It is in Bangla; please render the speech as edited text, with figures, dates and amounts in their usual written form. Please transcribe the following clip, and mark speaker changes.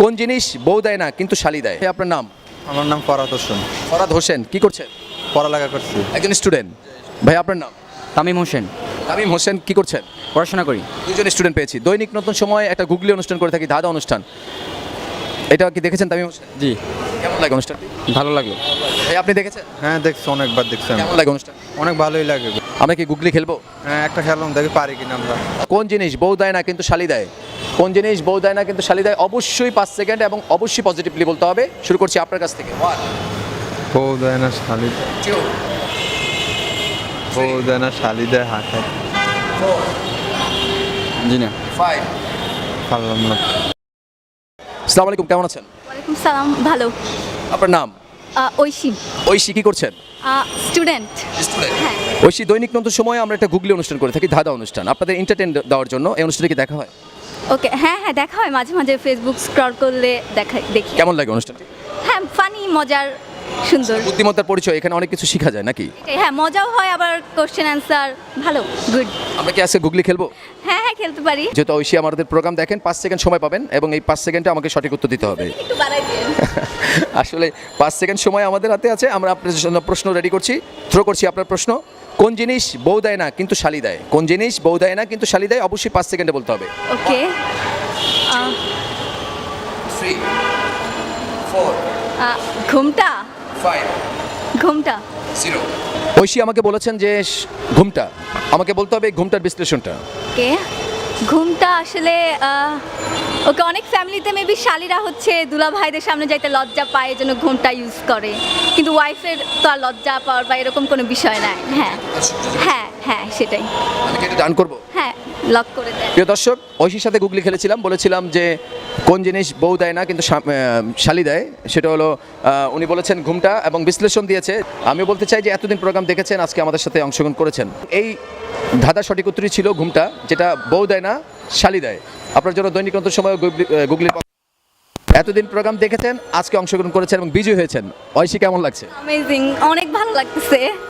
Speaker 1: কোন জিনিস বউ দেয় না কিন্তু শালি দেয়? আপনার নাম?
Speaker 2: আমার নাম ফরহাদ হোসেন।
Speaker 1: ফরহাদ হোসেন, কি করছেন?
Speaker 2: পড়ালেখা করছি।
Speaker 1: একজন স্টুডেন্ট। ভাই আপনার নাম?
Speaker 3: তামিম হোসেন।
Speaker 1: তামিম হোসেন, কি করছেন?
Speaker 3: পড়াশোনা করি।
Speaker 1: দুজন স্টুডেন্ট পেয়েছি। দৈনিক নতুন সময় একটা গুগলি অনুষ্ঠান করে থাকি, ধাঁধা অনুষ্ঠান। এটা কি দেখেছেন তামিম হোসেন?
Speaker 3: জি,
Speaker 1: কেমন লাগে অনুষ্ঠানটি?
Speaker 3: ভালো লাগলো।
Speaker 1: ভাই আপনি দেখেছেন?
Speaker 2: হ্যাঁ দেখছি, অনেকবার দেখছি আমি।
Speaker 1: কেমন লাগে অনুষ্ঠান?
Speaker 2: অনেক ভালোই লাগে।
Speaker 1: আমরা কি গুগলি খেলবো?
Speaker 2: হ্যাঁ একটা খেলাম, দেখি পারি কিনা আমরা।
Speaker 1: কোন জিনিস বউ দেয় না কিন্তু শালি দেয়? কোন জিনিস বউ দেয় না কিন্তু শালি দেয়? অবশ্যই 5 সেকেন্ড এবং অবশ্যই পজিটিভলি বলতে হবে। শুরু করছি আপনার কাছ থেকে। 1
Speaker 2: বউ দেয় না শালি,
Speaker 1: 2
Speaker 2: বউ দেয় না শালি দেয় হাঁটায়।
Speaker 1: 4
Speaker 3: জি না।
Speaker 1: 5
Speaker 2: পারলাম না।
Speaker 1: আসসালামু আলাইকুম, কেমন আছেন?
Speaker 4: ওয়ালাইকুম সালাম, ভালো।
Speaker 1: আপনার নাম?
Speaker 4: ঐশী,
Speaker 1: ঐশী, কি করছেন?
Speaker 4: স্টুডেন্ট।
Speaker 1: স্টুডেন্ট।
Speaker 4: হ্যাঁ।
Speaker 1: ঐশী, দৈনিক নতুন সময়ে আমরা একটা গুগলি অনুষ্ঠান করে থাকি, ধাঁধা অনুষ্ঠান। আপনাদের এন্টারটেইন দেওয়ার জন্য এই অনুষ্ঠানে কি দেখা হয়?
Speaker 4: ওকে, হ্যাঁ হ্যাঁ দেখা হয় মাঝে মাঝে, ফেসবুক স্ক্রল করলে দেখি।
Speaker 1: কেমন লাগে অনুষ্ঠানটি?
Speaker 4: হ্যাঁ ফানি, মজার, সুন্দর।
Speaker 1: বুদ্ধিমত্তার পরিচয়, এখানে অনেক কিছু শেখা যায় নাকি?
Speaker 4: এটাই, হ্যাঁ মজাও হয়, আবার কোশ্চেন অ্যান্সার ভালো, গুড।
Speaker 1: আমরা কি আজকে গুগলি খেলবো?
Speaker 4: হ্যাঁ হ্যাঁ খেলতে পারি।
Speaker 1: যেহেতু ঐশী আমাদের প্রোগ্রাম দেখেন, 5 সেকেন্ড সময় পাবেন এবং এই 5 সেকেন্ডে আমাকে সঠিক উত্তর দিতে হবে।
Speaker 4: একটু বাড়াই দিন।
Speaker 1: আসলে 5 সেকেন্ড সময় আমাদের হাতে আছে। আমরা আপনার জন্য প্রশ্ন রেডি করছি, থ্রো করছি আপনার প্রশ্ন। কোন জিনিস বউ দেয় না কিন্তু শালি দেয়? কোন জিনিস বউ দেয় না কিন্তু শালি দেয়? অবশ্যই 5 সেকেন্ডে বলতে হবে।
Speaker 4: ওকে,
Speaker 1: 3 4
Speaker 4: ঘুমটা,
Speaker 1: 5
Speaker 4: ঘুমটা।
Speaker 1: 0। ঐশী আমাকে বলেছেন যে ঘুমটা, আমাকে বলতে হবে এই ঘুমটার বিশ্লেষণটা।
Speaker 4: ওকে, ঘুমটা আসলে ওকে, অনেক ফ্যামিলিতে মেবি শালিরা হচ্ছে দুলা ভাইদের সামনে যাইতে লজ্জা পায়, এই জন্য ঘুমটা ইউজ করে, কিন্তু ওয়াইফের তো আর লজ্জা পাওয়ার বা এরকম কোনো বিষয় নাই। হ্যাঁ হ্যাঁ হ্যাঁ সেটাই।
Speaker 1: আমি কি এটা ডান করবো?
Speaker 4: হ্যাঁ, লক করে দেয়।
Speaker 1: প্রিয় দর্শক, ঐশীর সাথে গুগলি খেলেছিলাম, বলেছিলাম যে কোন জিনিস বউ দেয় না কিন্তু শালি দেয়, সেটা হলো উনি বলেছেন ঘুমটা এবং বিশ্লেষণ দিয়েছে। আমি বলতে চাই যে এতদিন প্রোগ্রাম দেখেছেন, আজকে আমাদের সাথে অংশগ্রহণ করেছেন। এই ধাঁধা সঠিক উত্তরই ছিল ঘুমটা, যেটা বউ দেয় না শালি দেয়। আপনার জন্য দৈনিক নতুন সময় গুগলির এতদিন প্রোগ্রাম দেখেছেন, আজকে অংশগ্রহণ করেছেন এবং বিজয়ী হয়েছেন। ঐশী, কেমন লাগছে?
Speaker 4: অ্যামেজিং, অনেক ভালো লাগতেছে।